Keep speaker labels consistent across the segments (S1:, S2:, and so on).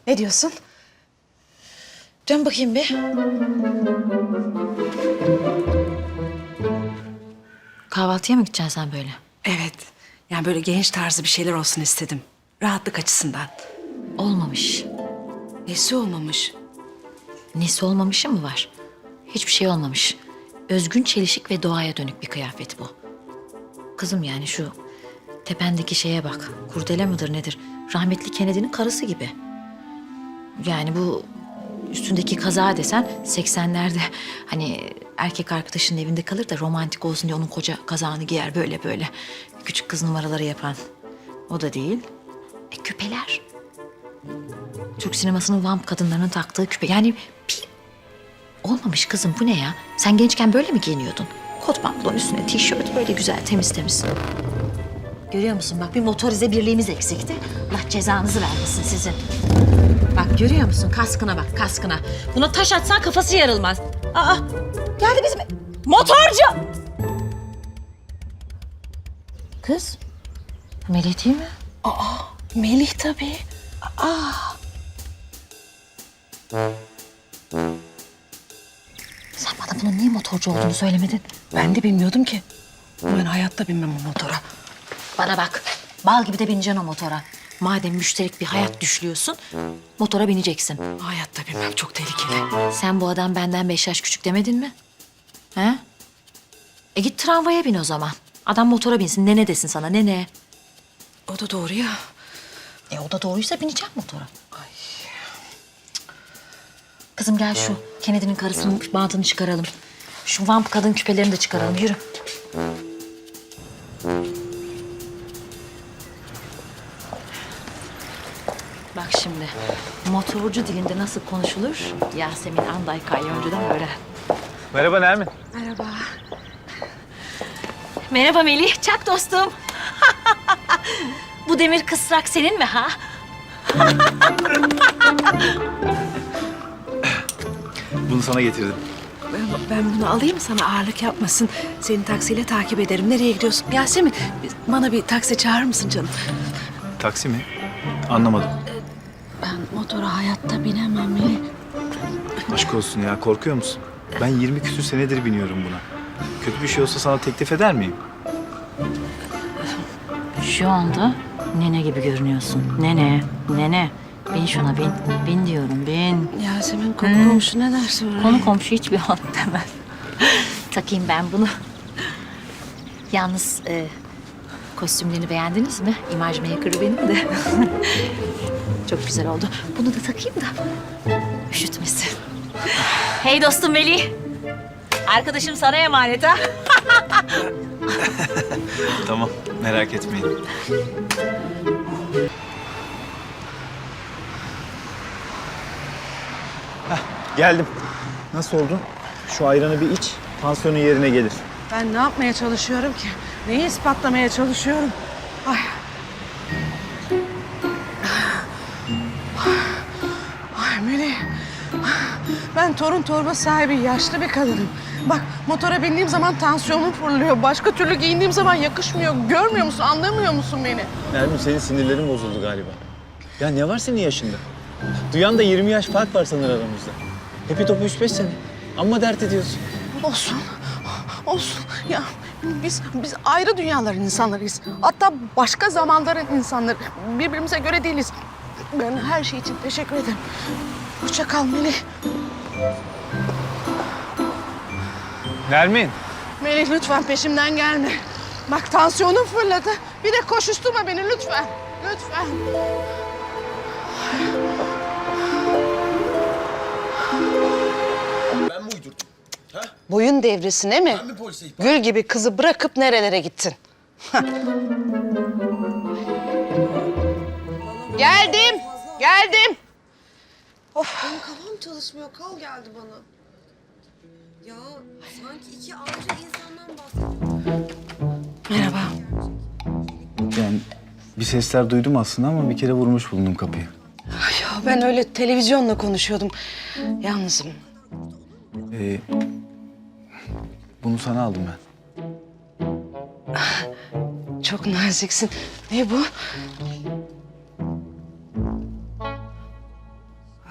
S1: Ne diyorsun?
S2: Dön bakayım bir. Kahvaltıya mı gideceksin sen böyle?
S1: Evet. Yani böyle genç tarzı bir şeyler olsun istedim. Rahatlık açısından.
S2: Olmamış.
S1: Nesi olmamış?
S2: Nesi olmamışı mı var? Hiçbir şey olmamış. Özgün, çelişik ve doğaya dönük bir kıyafet bu. Kızım yani şu tependeki şeye bak. Kurdele midir nedir? Rahmetli Kennedy'nin karısı gibi. Yani bu üstündeki kaza desen 80'lerde hani erkek arkadaşının evinde kalır da romantik olsun diye onun koca kazağını giyer böyle böyle. Küçük kız numaraları yapan. O da değil. Küpeler. Türk sinemasının vamp kadınlarının taktığı küpe. Yani bir olmamış kızım bu ne ya? Sen gençken böyle mi giyiniyordun? Kot pantolon üstüne tişört böyle güzel temiz temiz. Görüyor musun bak bir motorize birliğimiz eksikti. Allah cezanızı vermesin sizin. Bak görüyor musun kaskına bak kaskına. Buna taş atsan kafası yarılmaz. Aa geldi bizim motorcu. Kız Melih değil mi?
S1: Melih tabii.
S2: Sen bana bunun niye motorcu olduğunu söylemedin?
S1: Ben de bilmiyordum ki. Ben hayatta binmem o motora.
S2: Bana bak, bal gibi de bineceksin o motora. Madem müşterek bir hayat düşlüyorsun, motora bineceksin.
S1: Hayatta binmem, çok tehlikeli.
S2: Sen bu adam benden 5 yaş küçük demedin mi? He? Git tramvaya bin o zaman. Adam motora binsin, nene desin sana, nene.
S1: O da doğru ya.
S2: O da doğruysa bineceğim motora. Ay. Kızım gel şu Kennedy'nin karısının bantını çıkaralım. Şu vamp kadın küpelerini de çıkaralım, yürü. Bak şimdi, motorcu dilinde nasıl konuşulur? Yasemin Anday Kalyoncu'dan öğren.
S3: Merhaba Nermin.
S1: Merhaba.
S2: Merhaba Melih, çak dostum. Bu demir kısrak senin mi ha?
S3: Bunu sana getirdim.
S1: Ben bunu alayım, sana ağırlık yapmasın. Seni taksiyle takip ederim. Nereye gidiyorsun? Yasemin, bana bir taksi çağırır mısın canım?
S3: Taksi mi? Anlamadım.
S1: Ben motora hayatta binemem Melih.
S3: Aşk olsun ya, korkuyor musun? Ben 20 küsür senedir biniyorum buna. Kötü bir şey olsa sana teklif eder miyim?
S2: Şu anda nene gibi görünüyorsun. Nene, nene. Bin şuna bin. Bin diyorum, bin.
S1: Yasemin, komşu ne der sonra?
S2: Konu komşu hiçbir an demez. Takayım ben bunu. Yalnız kostümlerini beğendiniz mi? İmaj maker'ı benim de. Çok güzel oldu. Bunu da takayım da üşütmesin. Hey dostum Melih. Arkadaşım sana emanet ha.
S3: Tamam, merak etmeyin. Geldim. Nasıl oldun? Şu ayranı bir iç, tansiyonun yerine gelir.
S1: Ben ne yapmaya çalışıyorum ki? Neyi ispatlamaya çalışıyorum? Ay. Ay Melih. Ben torun torba sahibi yaşlı bir kadınım. Bak motora bindiğim zaman tansiyonum fırlıyor. Başka türlü giyindiğim zaman yakışmıyor. Görmüyor musun? Anlamıyor musun beni?
S3: Nermin, senin sinirlerin bozuldu galiba. Ya ne var senin yaşında? Duyan da 20 yaş fark var sanır aramızda. Hepi topu 3-5 sene. Amma dert ediyorsun.
S1: Olsun. Olsun. Ya biz ayrı dünyaların insanlarıyız. Hatta başka zamanların insanları. Birbirimize göre değiliz. Ben her şey için teşekkür ederim. Hoşça kal Melih.
S3: Nermin.
S1: Melih lütfen peşimden gelme. Bak tansiyonum fırladı. Bir de koşuşturma beni lütfen. Lütfen.
S4: Ben mi uydurdum? Ha?
S1: Boyun devresine mi?
S4: Ben mi polise ihbar?
S1: Gül gibi kızı bırakıp nerelere gittin? Geldim. Geldim.
S5: Benim kafam çalışmıyor. Kal geldi bana. Ya sanki iki ayrı insandan bahsediyorum.
S1: Merhaba.
S3: Yani bir sesler duydum aslında ama bir kere vurmuş bulundum kapıyı.
S1: Ya ben öyle televizyonla konuşuyordum. Yalnızım.
S3: Bunu sana aldım ben.
S1: Çok naziksin. Ne bu?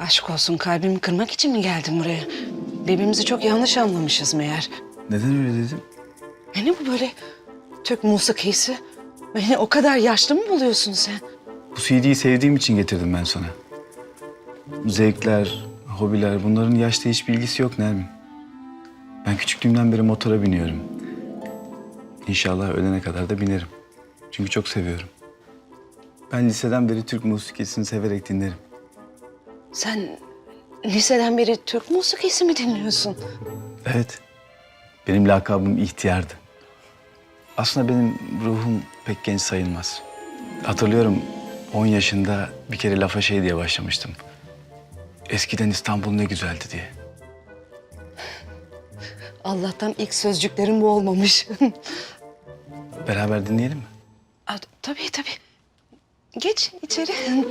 S1: Aşk olsun, kalbimi kırmak için mi geldin buraya? Birbirimizi çok yanlış anlamışız meğer.
S3: Neden öyle dedim?
S1: Ne bu böyle Türk musikisi? Beni o kadar yaşlı mı buluyorsun sen?
S3: Bu CD'yi sevdiğim için getirdim ben sana. Zevkler, hobiler bunların yaşta hiçbir ilgisi yok Nermin. Ben küçüklüğümden beri motora biniyorum. İnşallah ölene kadar da binerim. Çünkü çok seviyorum. Ben liseden beri Türk musikisini severek dinlerim.
S1: Sen liseden beri Türk musikisi mi dinliyorsun?
S3: Evet. Benim lakabım ihtiyardı. Aslında benim ruhum pek genç sayılmaz. Hatırlıyorum 10 yaşında bir kere lafa şey diye başlamıştım. Eskiden İstanbul ne güzeldi diye.
S1: Allah'tan ilk sözcüklerim bu olmamış.
S3: Beraber dinleyelim mi?
S1: Tabii tabii. Geç içeri.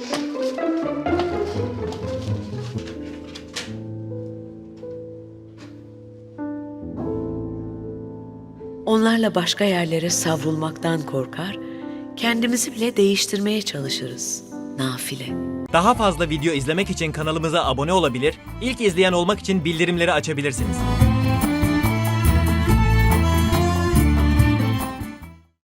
S4: Onlarla başka yerlere savrulmaktan korkar, kendimizi bile değiştirmeye çalışırız. Nafile.
S6: Daha fazla video izlemek için kanalımıza abone olabilir, ilk izleyen olmak için bildirimleri açabilirsiniz.